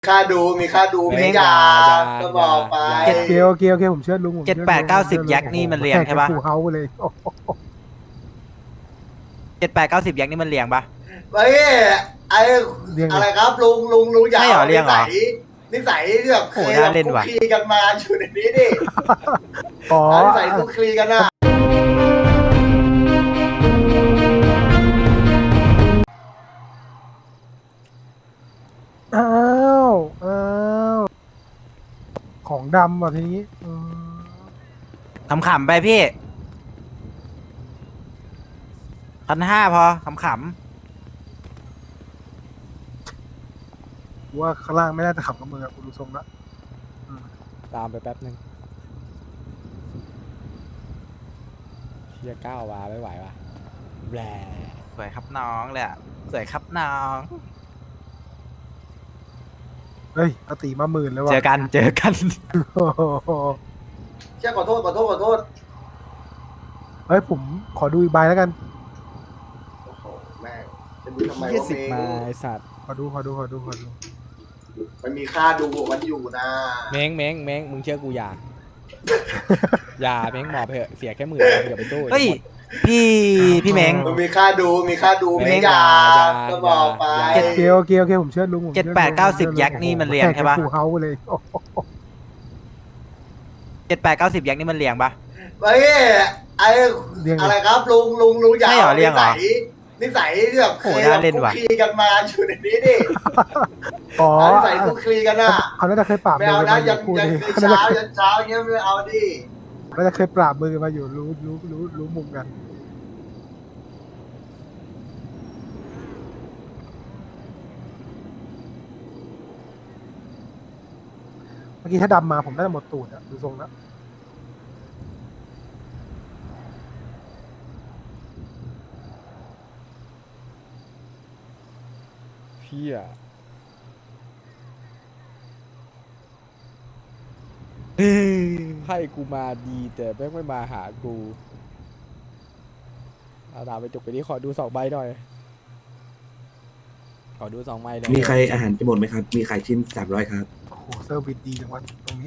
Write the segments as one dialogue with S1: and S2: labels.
S1: ค่าดูไม่ยาก็บอกไป
S2: โอเคผมเชื่อลุงผม
S3: 7-8-90แยกนี่มันเรียงใช่ปะ
S2: ฟูเฮาเลย
S3: 7-8-90แยกนี่มันเรียงปะ
S1: เฮ้ยไออะไรครับลุงอยาก
S3: ใช่เหรอเรียงเหรอ
S1: นิสัยที่แบบเคย
S3: น่าเล่น
S1: คุก
S3: ว่ะ
S1: คีกันมาอยู่ในนี้ดิ
S2: อ๋อ
S1: นิสัยคุกคีกันนะ
S2: อ้าวของดำว่ะทีนี้
S3: ขำๆไปพี่1,500พอขำ
S2: ว่าข้างล่างไม่น่าจะขับกับมือคุณดูทรงละ
S4: ตามไปแป๊บนึงเชียก้าวมาไม่ไหวว่ะแหล
S3: ๆสวยครับน้องเลยอะสวยครับน้อง
S2: เฮ้ยอติมา10,000แล้วว่ะ
S3: เจอกัน
S2: โอ้โห
S1: เชี่ยขอโทษ
S2: เฮ้ยผมขอดูอีกใบแล้วกัน
S1: โอ้โหแม่งจะดูทำไม
S4: ยี่
S1: วะ
S4: สิบ
S1: เม
S4: มาง ไอสัตว์
S2: ขอดู
S1: มันมีค่าดูของมันอยู่นะ
S4: เม้งมึงเชื่อกูอย่า อย่าเม้งหมอบไปเถอะเสียแค่10,000อย่าไปสู้
S3: เฮ้ยพี่เม้ง
S1: มันมีค่าดูไม่ยาก็บอกไป
S2: โอเคผมเชื่อลุงผม
S3: 7-8-90แยกนี่มันเรียงใช่ปะ
S2: ฟูเฮาเลย
S3: 7-8-90แยกนี่มันเรียงปะ
S1: เฮ้ยไออะไรครับลุงอยาก
S3: ใช่เหรอเรียงเหรอ
S1: นิสัยที่แบบเคย
S3: น่าเล่น
S1: คุก
S3: ว่ะ
S1: คีกันมาอยู่ในนี้ดิ
S2: อ๋อ
S1: นิสัยคุกคีกันน่ะ
S2: เขาน่าจะเคยปราบ
S1: ไม่
S2: มื
S1: เอา
S2: อ
S1: นะ
S2: มาอ
S1: ยั
S2: ยู่
S1: น
S2: คู่
S1: ยัน
S2: นี้
S1: เช้ายันเช้าอย่างเงี้ยไม่เอาดิ
S2: น่าจะเคยปราบมือมาอยู่รู้มุมกันเมื่อกี้ถ้าดำมาผมน่าจะหมดตูดอะดูทรงแล้ว
S4: เพี้ยให้กูมาดีแต่แม่งไม่มาหากูเอาดาบไปจุกไปนี่ขอดู2 ใบหน่อยขอดู2 ใบหน่อย
S5: มีใครอาหารจะหมดไหมครับ มีขายชิ้น300ครับ
S2: โอ้โหเซอร์วิสดีจังวะตรงนี้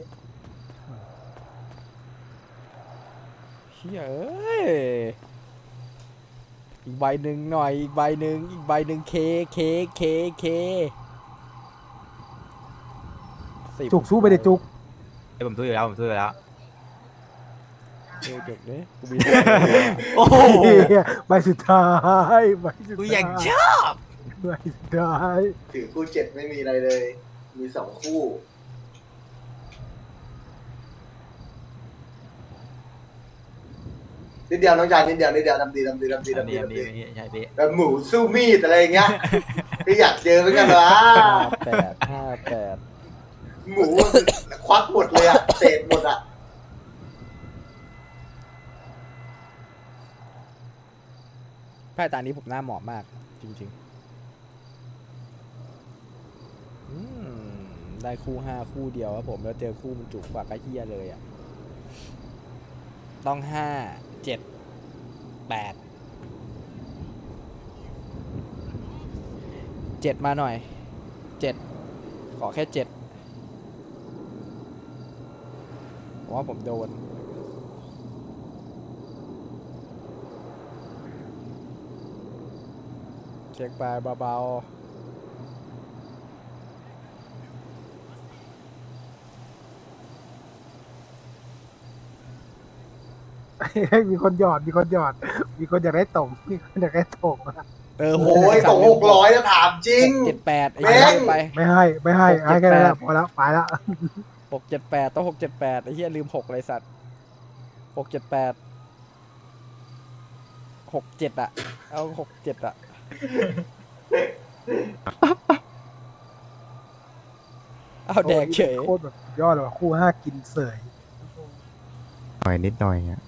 S4: เฮียเอ้ยอีกใบหนึ่งหน่อยอีกใบหนึ่งเค10
S2: จุกสู้ไปเด็จุก
S3: เอ้ยผมซื้ออยู่แล้ว
S4: เดี๋ยวจุกเนี่ยกูมี
S3: โอ้โห
S2: ใบสุดท้ายใบสุด
S3: กู
S2: ท้าย
S3: อยากชอบ
S2: ใบสุดท้าย
S1: ถือคู่7ไม่มีอะไรเลย มี2 คู่นิดเดียวน้องชายนิดเดียวทำดี
S3: อันนี้ใช่พี่
S1: แบบหมูสู้มีดอะไรอย่างเงี้ยพี่อยากเจอเหมือนกันวะ
S4: 58
S1: หมูควักหมดเลยอะเศษหมดอะ
S4: ไพ่ตานี้ผมหน้าเหมาะมาก จริงๆได้คู่5คู่เดียวครับผมแล้วเจอคู่มันจุกกว่าก็เฮียเลยอ่ะต้อง5 7 8 7มาหน่อย7ขอแค่7เพราะว่าผมโดนเช็คไปเบา
S2: มีคนหยอดมีคนอยากได้ตกมีคนอยากได้ตก
S4: ๆโห
S1: โอ้ยตก600จะถามจริง
S4: 7-8ไอ้
S1: แม่
S4: เหี้ย
S1: ง
S4: ไป
S2: ไม่ให้แค่นั้นแหละพอแล้วไปแล้ว
S4: 678ต้อง678ไอ้เหี้ยลืม6เลยสัตว์678 67อ่ะเอา67อ่ะเอาแดกเฉย
S2: โคตรแบบยอดเลยว่ะคู่5กินเสย
S6: นิดหน่อยอ่ะ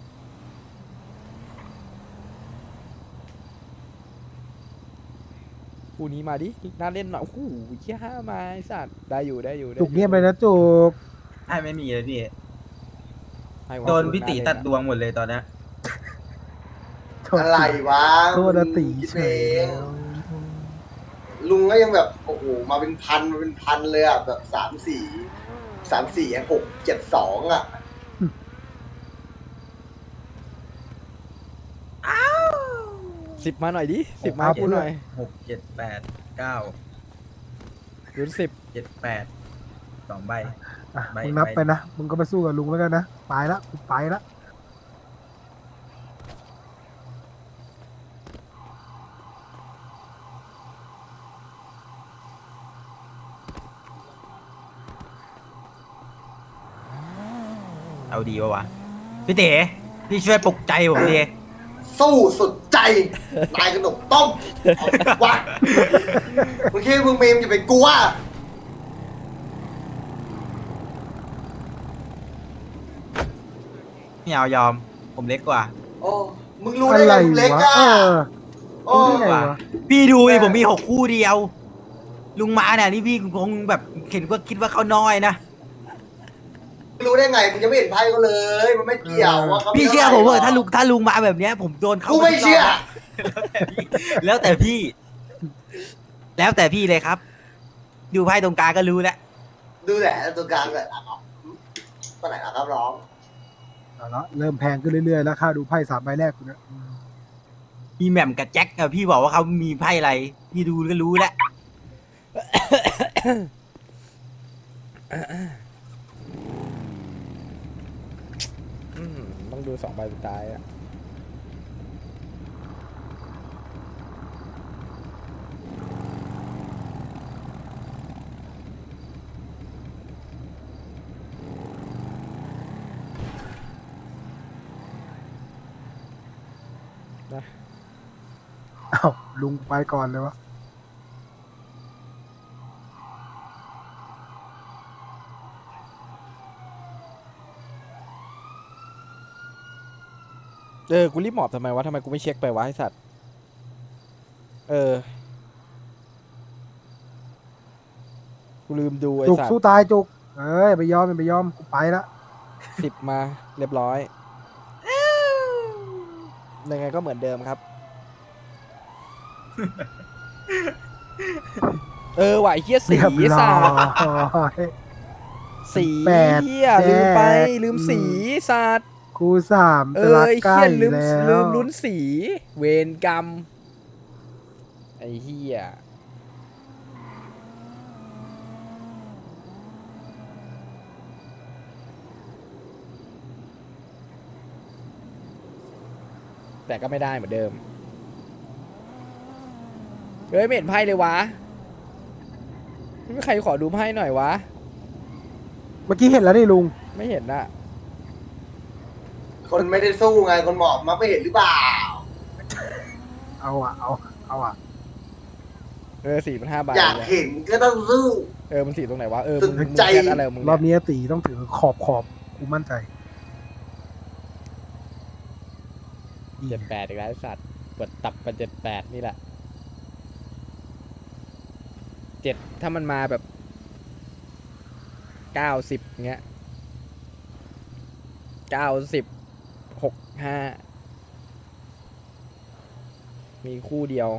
S4: คู่นี้มาดิน่าเล่นหน่อยโอ้โหเหี้ย5มาไอ้สัตว์ได้อยู่
S2: จุกเงียบเลยนะจุก
S3: ให้ไม่มีเลยพี่
S4: ให้วะ
S3: โดนพี่ตีตัดดวงหมดเลยตอนเนี้ย
S1: อะไรวะ
S2: โทษนะตี
S1: คิด
S2: เฉ
S1: เอย งลุงก็ยังแบบโอ้โหมาเป็นพันเลยอ่ะแบบ3-4 6-7-2อ่ะ
S4: 10มาหน่อยดิ10มาพูดหน่อย
S3: 6 7 8 9
S4: ลุ้น10
S3: 7 8 2 ใบ
S2: อ่ะ
S3: ไม่
S2: มึงนับ
S3: ไม่
S2: ไปนะมึงก็ไปสู้กับลุงแล้วกันนะไปละกูไปละ
S3: เอาดีวะพี่เต๋พี่ช่วยปลุกใจผมดิ
S1: สู้สุดใจนายขนมต้มเอาวะมึงคิดว่ามึงเมมจะไปกลัว
S3: ไม่เอายอม ผมเล็กกว่า
S1: โอ้มึงรู้ได้ไงมึงเล็ก
S2: วะ
S1: อ่ะ
S2: เออ
S1: โอ้
S2: รู้ได้ไงวะ
S3: พี่ดูดิผมมี6 คู่เดียว ลุงมาเนี่ยนี่พี่คงแบบคิดว่าเขาน้อยนะ
S1: รู้ได้ไงมึงจะไม่เห็นไพ่เขาเลย มันไม่เกี่ยวว่าเขา
S3: พี่เชื่อผมเถอะถ้าลุงมาแบบเนี้ย ผมโดนเขา
S1: กูไม่เชื่อ
S3: แล้วแต่พี่ แล้วแต่พี่เลยครับ ดูไพ่ตรงกลางก็รู้แล้ว
S1: ดูแหละตัวกลางเลยอ่ะตัวไหนนะครับร้อง
S2: เอาละเริ่มแพงขึ้นเรื่อยๆแล้วค่าดูไพ่3 ใบแรกกูเนี่ย
S3: มีแหม่มกับแจ็คอะพี่บอกว่าเขามีไพ่อะไร พี่ดูก็รู้แล้ว
S4: ต้องดู2 ใบสุดท้ายอะนะ
S2: อ้าวลุงไปก่อนเลยวะ
S4: กูรีบหมอบทำไมวะทำไมกูไม่เช็คไปวะไอสัตว์กูลืมดูไอ
S2: จุก
S4: สัตว์
S2: สู้ตายจุกเอ้ยไปยอมไปยอมกูไปละ
S4: 10มาเรียบร้อยยังไงก็เหมือนเดิมครับ ว่ะไอ้เหี้ยสี
S2: เรียบร้
S4: สั
S2: อ
S4: ตว์
S2: ย
S4: สี
S2: แปด
S4: เหี้ยลืมไปลืมสีสัตว์
S2: กู3จะรัก
S4: ไอ้
S2: ใกล้
S4: เหี้ยลืม
S2: แล้ว
S4: ลืมลุ้นสีเวรกรรมไอ้เหี้ยแต่ก็ไม่ได้เหมือนเดิมเฮ้ยไม่เห็นไพ่เลยวะไม่มีใครขอดูไพ่หน่อยวะ
S2: เมื่อกี้เห็นแล้วนี่ลุง
S4: ไม่เห็นอะ
S1: คนไม่ได้สู้ไงคนหมอบมาไม่เห็นหรือเปล่า
S2: เอาอ่ะ
S4: 4 มัน 5 ใบ
S1: อยากเห็นก็ต้องสู้
S4: มันสีตรงไหนวะ
S1: สุด
S4: มึง
S1: ใจ
S4: แค่อะไรของมึง
S2: รอบ
S4: เนี่ย
S2: นี้ตีต้องถือขอบกูมั่นใจ
S4: 78อีกแล้วไอ้สัตว์กดตับไป78นี่แหละ7ถ้ามันมาแบบ90เงี้ย90 65มีคู่เดียว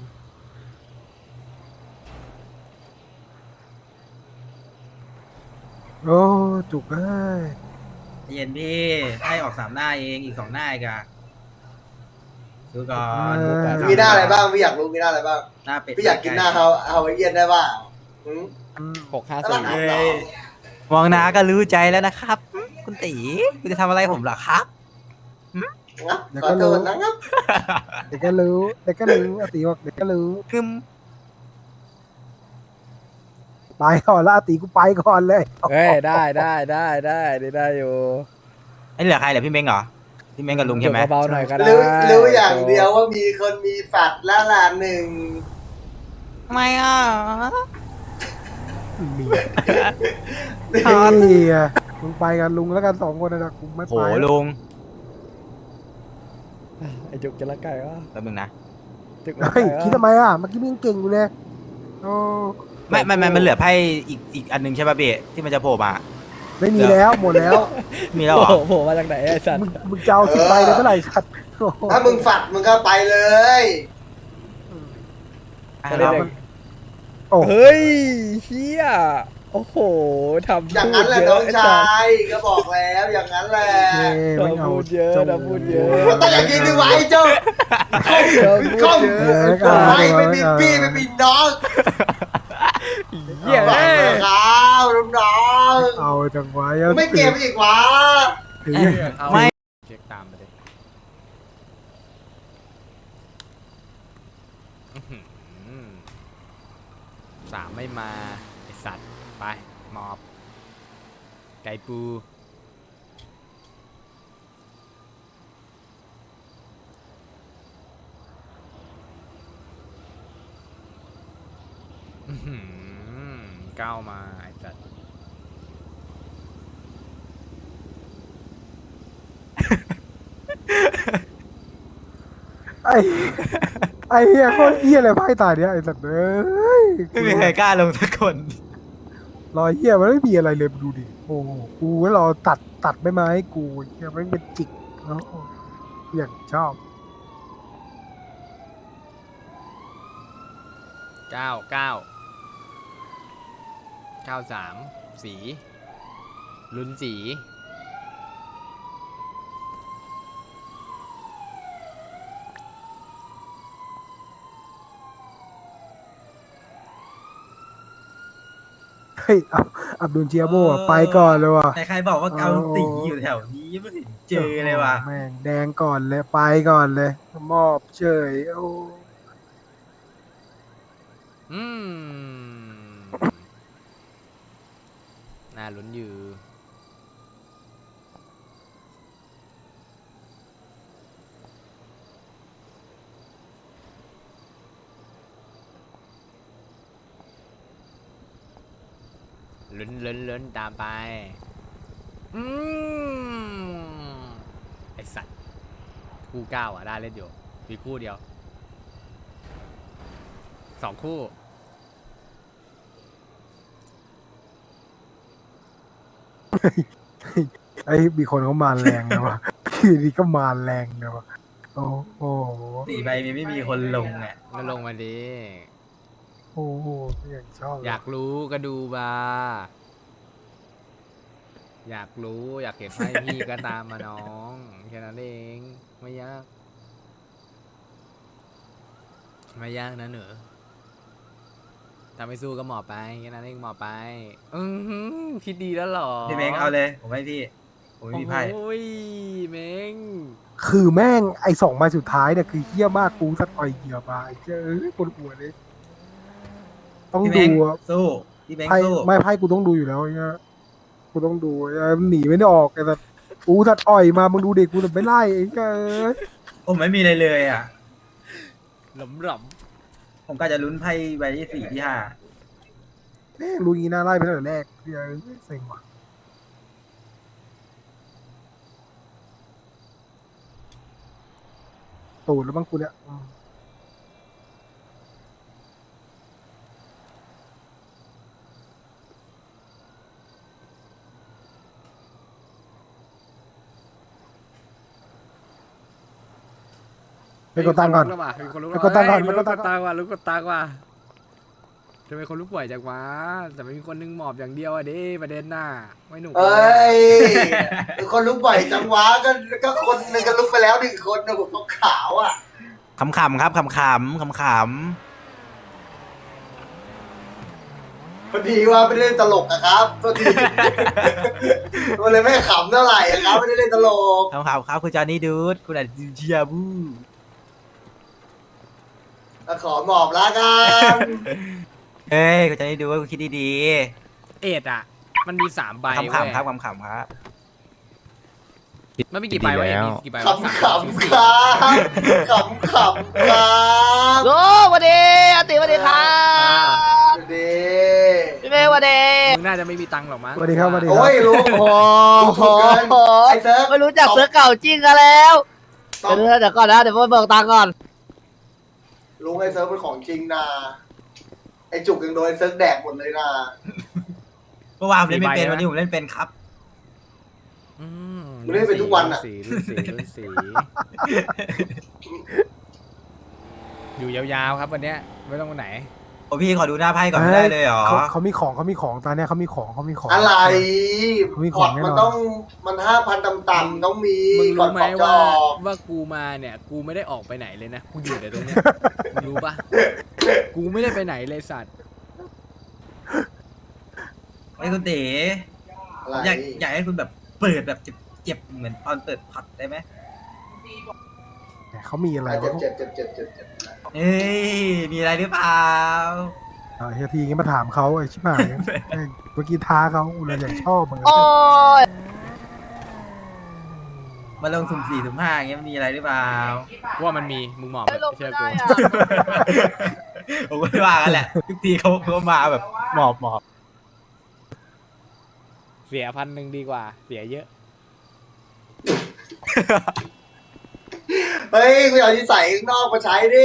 S2: โอ้จุกเอ้ย
S3: เย็นพี่ให้ออก3 หน้าเองอีก2 หน้าอีกอะดูก่อน
S1: มีหน้าอะไรบ้างพี่อยากรู้มีหน้าอะไรบ้าง
S3: หน้าเป็ด
S1: พี่อยากกินหน้าฮาวายเอียนได้ป่ะหืม
S4: 654
S3: เฮ้ยมองหน้าก็รู้ใจแล้วนะครับ คุณตีคุณจะทำอะไรผมเหรอครับ
S1: งับ
S2: เดี๋ยว
S1: ขอ
S2: ก็
S1: โท
S2: รู้
S1: ษนะครับ
S2: เดี๋ยวก็รู้อาติบอกเดี๋ยวก็รู้
S3: คือ
S2: ไปก่อนแล้วอาติกูไปก่อนเลย
S4: ได้ได้อยู่
S3: ไอ้เหลือใครเหลือพี่เม้งเหรอพี่เม้งกับลุงใช่ไหม
S4: เบาๆหน่อยก็ได้
S1: รู้อย่างเดียวว่ามีคนมีฝัดแล้วล่ะหนึ่ง
S3: ไม่อ่ะ
S2: มีนี่อ่ะมึงไปกันลุงแล้วกัน2 คนนะกูไม่
S3: โห
S2: ไปแล้ว
S3: ลุง
S4: ไอ้จุกจะละไก่วะ
S3: แป๊บนึงนะ
S4: จุกละ
S2: เฮ้
S4: ไก่
S2: ยคิดทำไมอ่ะเมื่อกี้มึงเก่งอยู่เลยโอ้
S3: ไม่มันเหลือไพ่อีกอันหนึงใช่ป่ะเบะที่มันจะโผล่มา
S2: ไม่มีแล้วหมดแล้ว
S3: มีแล้วเหรอ
S4: โผล่มาจากไหนไอ้สัตว์
S2: มึงจะเอา10 ใบเลยเมื่อไหร่ชัดโอ้โห
S1: ถ้ามึงฝัดมึงก็ไปเลย
S3: อ่ะ
S4: ไม่
S3: เรา
S4: ได้
S2: โอ้
S4: เฮ้ยเฮียโอ้โหทำ
S1: อย่างนั้นแหละ
S4: พูดเย
S1: น้อง
S4: ไสั
S1: ชา
S4: ตว์
S1: ยก็บอกแล้วอย่างนั้นแหละ
S2: ไม่เอา
S4: พูดเยอะนะพูดเยอะ
S1: มันต้องอย่างนี้ดิไว้เจ้าเข้าไปไม่มีพี่ไม่มีน้อง
S4: เหี้ย
S1: ฟังเลยครับน้อง
S2: เอาจังไว้
S1: ๆไม่เก็บอีกวะ
S3: ไม่
S4: เช็คตามไปเลยอื้อหือสามไม่มาไอสัตว์ไปหมอบไก่ปูอื้อหือก้าวมาไอสัตว์
S2: ไอ้ไอ้เหี้ยโคตรเหี้ยเลยไพ่ตายเนี้ยไอ้สัตว์เอ้ย
S3: ไม่มีใครกล้าลงสักคน
S2: รอยเหี้ยมันไม่มีอะไรเลยดูดิโอ้โหกูว่ารอตัดไม่มาให้กูเหี้ยมันเป็นจิกเนาะอย่างชอบ
S4: 93สีลุ้นสี
S2: เฮ้ยอับดุลเจียโบอะไปก่อนเลยว่ะ
S3: ใครๆบอกว่าเกาตีอยู่แถวนี้ไม่เห็นเจอเลยว่ะ
S2: แม่งแดงก่อนเลยไปก่อนเลยมอบเฉยโอ้
S4: อืมน่าลุ้นอยู่ลุ้นตามไปอืมไอสัตว์คู่เก้าอ่ะได้เล่นอยู่มีคู่เดียว2 คู่
S2: ไอ้มีคนเขามาแรงนะวะทีนี้ก็มาแรงนะวะโอ้โห
S3: 4 ใบมีไม่มีคนลงอ่ะ
S4: ก็ลงมาดิ
S2: โอ้โหอย่างชอบเลย
S4: อยากรู้ก็ดูมาอยากรู้อยากเห็นไพ่พี่ก็ตามมาน้องแค่นั้นเองไม่ยากไม่ยากนะเหนือถ้าไม่สู้ก็หมอบไปแค่นั้นเองหมอบไปหือคิดดีแล้วเหรอ
S3: พี่เม้งเอาเลยผมให้พี่ผมไม่มีไพ่
S4: โอ้ยเม้ง
S2: คือแม่งไอ้สองใบสุดท้ายเนี่ยคือเฮี้ยมากกูสักต่อยเหยียบมาไอ้เจ้าปวดหัวเลยต้อง
S3: พี่
S2: ดู
S3: เม้ง
S2: อะ
S3: สู้พี่เม้ง
S2: ไพ่
S3: สู้
S2: ไม่ไพ่กูต้องดูอยู่แล้วเนี่ยกูต้องดูไอ้มันหนีไม่ได้ออกไอ้สัตว์กูสัตว์อ่อยมามึงดูเด็กกูแต่ไม่ไล่ไอ้เจ้า
S3: ผมไม่มีอะไรเลยอ่ะ
S4: หล่ำ
S3: ผมก็จะลุ้นไพ่ใบที่ 4 ที่
S2: แม่งรู้งี้น่าไล่ไปตั้งแต่แรกเฮี้ยเซ็งว่ะตูดแล้วบ้างกูเนี่ยไปกดตังค์ก่อน
S4: มีคนลุก
S2: ไปกดตังค์ก่อน
S4: เฮ้ย
S2: ไปกดตังค์ก่อน
S4: ลุกกดตังค์ว่ะทำไมคนลุกป่วยจังวะแต่ไม่มีคนนึงหมอบอย่างเดียวอ่ะดิประเด็นน่ะไม่หนุก
S1: เอ้ยคนลุกบ่อยจังวะก็คนหนึงก็ลุกไปแล้ว1 คนนะผมขาวๆอ่ะ
S3: ขำๆครับขำ
S1: พอดีว่าไม่ได้เล่นตลกอะครับพอดี มันเลยไม่ขำเท่าไหร่อะครับไม่ได้เล่นตลก
S3: ๆครับคุณจอห์นนี่ดูดคุณอาจเชียบู
S1: ขอหมอบละกัน
S3: เฮ้ยคุณจอห์นนี่ดูว่าคุณคิดดี
S4: เอ็ดอ่ะ มันมี3 ใบ
S3: ๆ
S4: เว้ย
S3: ขำๆครับขำๆครับ
S4: มันมีกี่ใบวะ
S6: ดี
S4: เอ็ด
S6: แล้ว
S4: มีกี่ใบ
S1: ขำขำครับขำขำครับ
S7: โอ้สวัสดีอาติสวัสดีครับ
S1: ดี
S7: พี่เมย์สวัสดี
S4: มึงน่าจะไม่มีตังค์หรอกมั้ง
S2: สวัสดีครับสวัสดีค
S1: โอ้
S2: รับ
S1: ยรู้
S7: โอ้โห
S1: ถูกเกินไอ้เซิร์ฟ
S7: ไม่รู้จักเสือเก่าจริงกันแล้ว
S1: ตอบ
S7: เดี๋ยวก่อนนะเดี๋ยวไปเบิกตังค์ก่อน
S1: ลุงไอ้เซิร์ฟเป็นของจริงนะไอ้จุกยังโดนไอ้เซิร์ฟแดกหมดเลยนะ
S3: เมื่อวานผมเล่นไม่เป็นวันนี้ผมเล่นเป็นครับ
S4: อืม
S1: มึงเล่นเป็นทุกวันอะ
S4: รุ่นสีอยู่ยาวๆครับวันเนี้ยไม่ต้องไปไหน
S3: โอ้พี่ขอดูหน้าไพ่ก่อนไม่ได้เลยเหรอ
S2: เขามีของตอนเนี้ยเขามีของ
S1: อะไร
S2: มี
S1: พ
S2: ข
S1: อ
S2: อง
S1: ร์ต
S2: แน่
S1: มัน
S2: นอน
S1: ต้องมัน5,000ต่ำๆต้องมี
S4: มึง
S1: ก่อน
S4: รู้ไหม
S1: พอร์ตจะ
S4: ว่า
S1: ออก
S4: ว่ากูมาเนี่ย กูไม่ได้ออกไปไหนเลยนะ กูอยู่แต่ตรงเนี้ยมึงรู้ปะกูไม่ได้ไปไหนเลยสัตว์
S3: ไอ้คุณเต๋
S1: อะไร
S3: อยากให้คุณแบบเปิดแบบเจ็บเหมือนตอนเปิดผัดได้ไหม
S2: เขามีอะไร
S1: เจ็บ
S2: วะ
S1: เจ็บเจ็บเจ็บเจ็บ
S3: เอ้ยมีอะไรหรือเปล่า
S2: เฮียทีงี้มาถามเขาไอ้ชิบหายเมื่อกี้ท้าเขากูเลยอยากชอบเหมือนกั
S7: โอ้
S2: น
S7: ย
S3: มาลงสุ่ม4สุ่ม5อย่างเงี้ยมันมีอะไรหรือเปล่า
S4: ว่ามันมีมึงหมอบ
S7: ไม่ลง
S4: เชื่
S7: ไม่
S4: อ
S7: ได้
S4: กู
S7: อะ
S3: ผมก็ไม่ว่ากันแหละทุกทีเขามาแบบหมอบ
S4: เสีย1,000ดีกว่า เสียเยอะ
S1: เฮ้ยกูเอาที่ใส่ข้างนอกมาใช้ดิ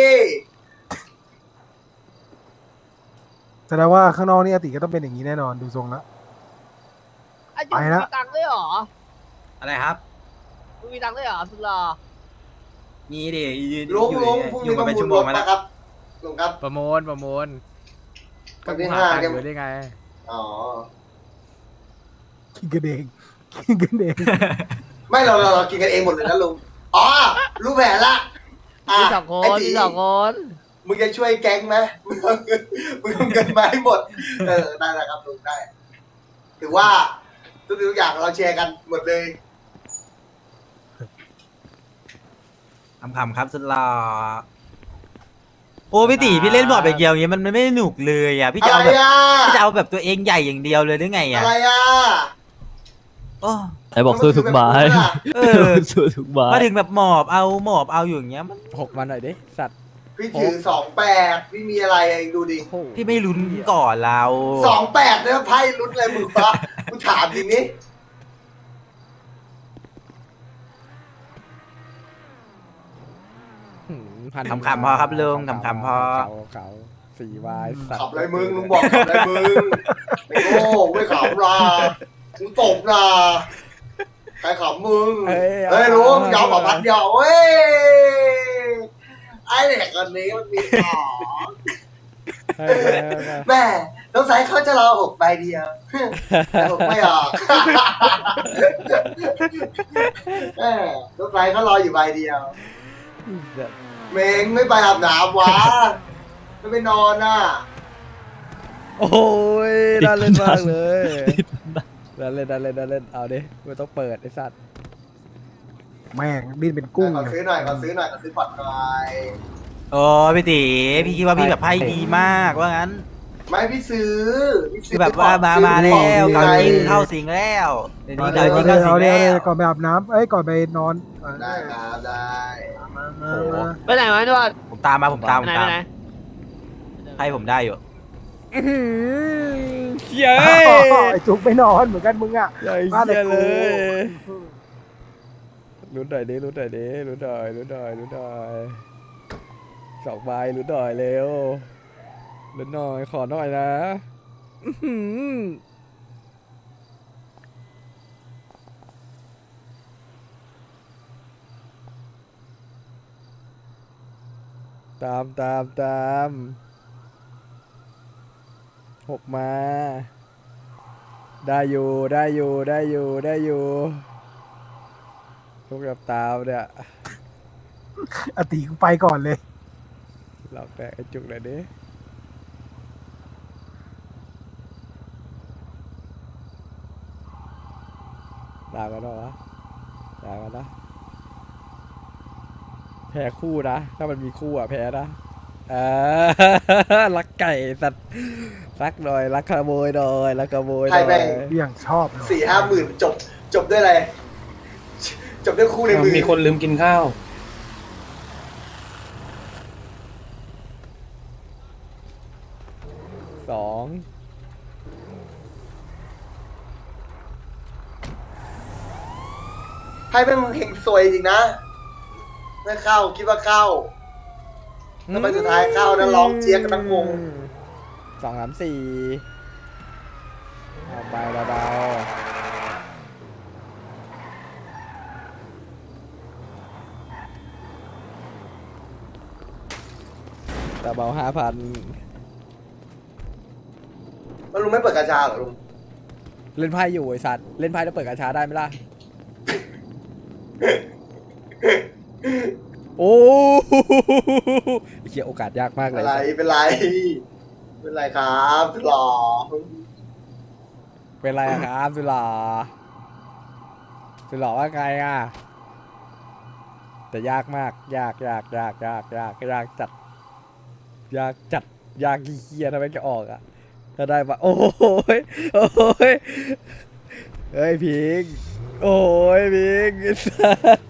S2: แสดงว่าข้างนอกนี่อาติก็ต้องเป็นอย่างนี้แน่นอนดูทรงแล้ว
S7: ไอ้จุ๊
S2: ไป
S7: มี
S2: ละ
S7: ตังค์ด้วยเหรอ
S3: อะไรครับ
S7: มึงมีตังค์ด้วยเหรอสุดหล่อ
S3: มีดิยืน
S1: ลุง
S3: อยู่
S1: ลุง
S3: เนี่ย
S1: พรุ่ง
S3: อยู่
S1: นี้
S3: มา
S1: ประ
S3: เป็น
S1: มู
S3: ชั่
S1: ล
S3: วโม
S1: รง ถ
S3: มาแล้ว
S1: นะครับลุงครับ
S4: ประมูลก็
S1: วัน
S4: กู
S1: ที่
S4: หา
S1: 5
S4: ตัง
S1: เนี่ย
S4: ค์อยู่ได้ไง
S1: อ๋อ
S2: กินกันเอง
S1: ไม่เรากินกันเองหมดเลยนะลุงอ๋อรู้แผนละะ
S7: มีสองคน
S1: ไตี
S7: มีสองคน
S1: มึงจะช่วยแก๊งไหมมึงเอาเงินมาให้หมดได้แล้วครับลุงได้ถือว่าทุกอย่างเราแชร์กันหมดเลย
S3: คำครับสุดหล่อโอ้พี่ตีพี่เล่นบอร์ดแบบเดียวอย่างเงี้ยมันไม่หนุกเลยอ่ะพี่
S1: อะ
S3: จะ
S1: ไร
S3: เอาแบบ
S1: อ่ะ
S3: พี่จะเอาแบบตัวเองใหญ่อย่างเดียวเลยหรือไงอ่ะ
S1: อะไรอ่ะ
S3: โอ้
S8: ไอ้บอกสู้ทุกไม้
S3: เออ
S8: สู้ทุกไม้
S3: มาถึงแบบหมอบเอาอยู่อย่างเงี้ยมัน
S4: 6 วันหน่อยดิ สัตว์
S1: พี่ถือ28พี่มีอะไรเองดูดิ
S4: โอ้โห
S3: พี่ไม่ลุ้นก่อนเรา
S1: 28เนี่ยไพ่ลุ้นอะไรมึงปะกูถามจริงนี่
S3: คำพอครับลุงคำพอ
S4: เขา4 วายสัตว์
S1: ขับอะไรมึงลุงบอกขับอะไรมึงไม่โง่ไม่ขับนะมึงตบนะใครขับมึงเฮ้ยลุงยาวกว่าพันเดียวเว้ยไอ้เด็กคนนี้มันมีของ
S4: เฮ้ย
S1: แม่สงสัยเขาจะรอ6 ใบเดียวแต่6ไม่ออกแม่สงสัยเขารออยู่ใบเดียว เมงไม่ไปอาบน้ำวะไม่ไปนอนน่ะ
S4: โอ้ยน่าเล่นมากเลยน่าเล่นเอาดิไม่ต้องเปิดไอ้สัตว์
S2: แม่งดิ้นเป็นกุ้ง
S1: ขอ
S2: เลย
S1: ซื้อหน่อยขอซื้อพอร์ตหน่อย
S3: โอ้พี่ตีพี่คิดว่าพี่แบบไพ่ดีมากว่างั้น
S1: ไม่พี่ซื้อ
S3: คือแบบว่ามาแล้วเกาจริงเข้าสิงแล้วเดี๋ยวนี้เกาจริงเข้าสิงแล้ว
S2: ก่อนไปอาบน้ำก่อนไปนอน
S1: ได้ครับได้
S2: มา
S7: ไปไหนวะนวด
S3: ผมตามมา
S7: ไปไหนไปไหน
S3: ให้ผมได้อยู่
S4: เหี้ย
S2: ไอ้จุกไปนอนเหมือนกันมึงอ่ะ
S4: ใหญ่เหี้ยเลยลุ้นหน่อยดิลุ้นหน่อย2 ใบลุ้นหน่อยเร็วลุ้นหน่อยขอหน่อยนะตาม6 มาได้อยู่ทุกแบบตามเนี่ย
S2: อาติกูไปก่อนเลย
S4: หลอกแตกไอ้จุกหน่อยดิด่ากันเหรอวะด่ากันนะแพ้คู่นะถ้ามันมีคู่อ่ะแพ้นะรักไก่สัตว์รักหน่อยรักขโมยหน่อยรักขโมยหน่อย
S2: อย่างชอบเลย
S1: 4-5 หมื่นจบด้วยอะไรจบด้วยคู่ในมือ
S5: มีคนลืมกินข้าว
S4: 2
S1: ให้แม่งเฮงซวยจริงนะไม่เข้าคิดว่าเข้าแล้วไปสุดท้ายเข้าแล้วร้องเจี๊ยกกันทั้งวง
S4: 2 3 4เอาไปเบาๆแต่เบา5,000
S1: ไม่เปิดกาชาเหรอลุง
S4: เล่นไพ่อยู่ไอ้สัตว์เล่นไพ่แล้วเปิดกาชาได้ไหมล่ะ โอ้ไอ้เหี้ยโอกาสยากมากเล
S1: เป็
S4: ย
S1: นไรเป็นไรเป็นไรครับหล่อ
S4: เป็นไรอะครับสุดหล่อสุดหล่อว่าไงอ่ะแต่ยากมากยากจัดยากจัดยากเหี้ยทำไมจะออกอ่ะถ้าได้ปะโอ้ยเฮ้ยพิงโอ้ยพิงไอ้สัส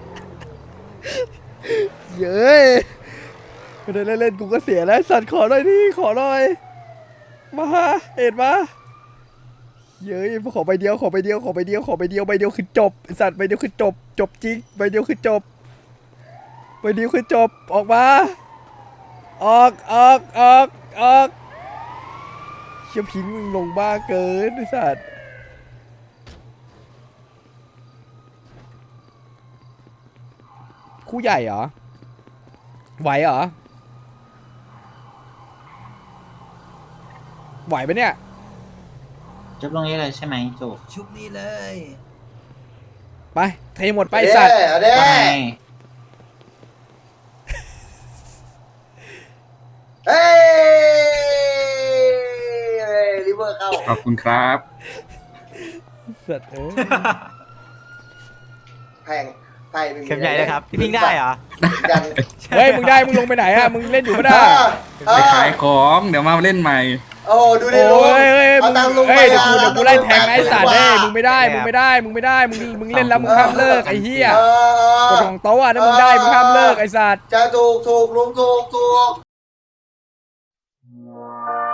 S4: เย้ยไม่ได้เล่นกูก็เสียแล้วสัตว์ขอหน่อยดิขอหน่อยมาเอ็ดมาเย้ยขอใบเดียวใบเดียวคือจบไอ้สัตว์ใบเดียวคือจบจริงใบเดียวคือจบออกมาออกเชี่ยพิงมึงลงบ้าเกินไอ้สัตว์คู่ใหญ่เหรอไหวเหรอไหวปะเนี่ย
S8: จุบลงนี้เลยใช่ไหมจุบ
S3: ชุบนี่เลย
S4: ไปเทหมดไปไอ้สัตว์
S1: เด้
S8: ไป
S1: เฮ้ยลิเวอร์เข้า
S9: ขอบคุณครับ
S4: สัตว์เอ้ย
S1: แพงไพ่ไม่มี
S3: เข็มใหญ่เลยครับพี่พิงได้เหรอ
S1: ยัน
S4: เฮ้ยมึงได้มึงลงไปไหนอะมึงเล่นอยู่ปะ
S1: เอ
S4: น่ะ
S9: ไปขายของเดี๋ยวมาเล่นใหม่
S1: โอ้ดูดิ
S4: โอ้
S1: ลุง
S4: ยเฮ้ย
S1: เอาตังค์ลุง
S4: เฮ้ย
S1: ไป
S4: เดี๋ยวกูไล่แทงนะไอ้สัตว์
S1: 80
S4: เฮ้ยมึงไม่ได้มึงเล่นแล้วมึงห้ามเลิกไอ้เหี้ย
S1: เออก
S4: ฎของโต๊ะอะถ้ามึงได้มึงห้ามเลิกไอ้สัตว์
S1: จะถูกลุงถูก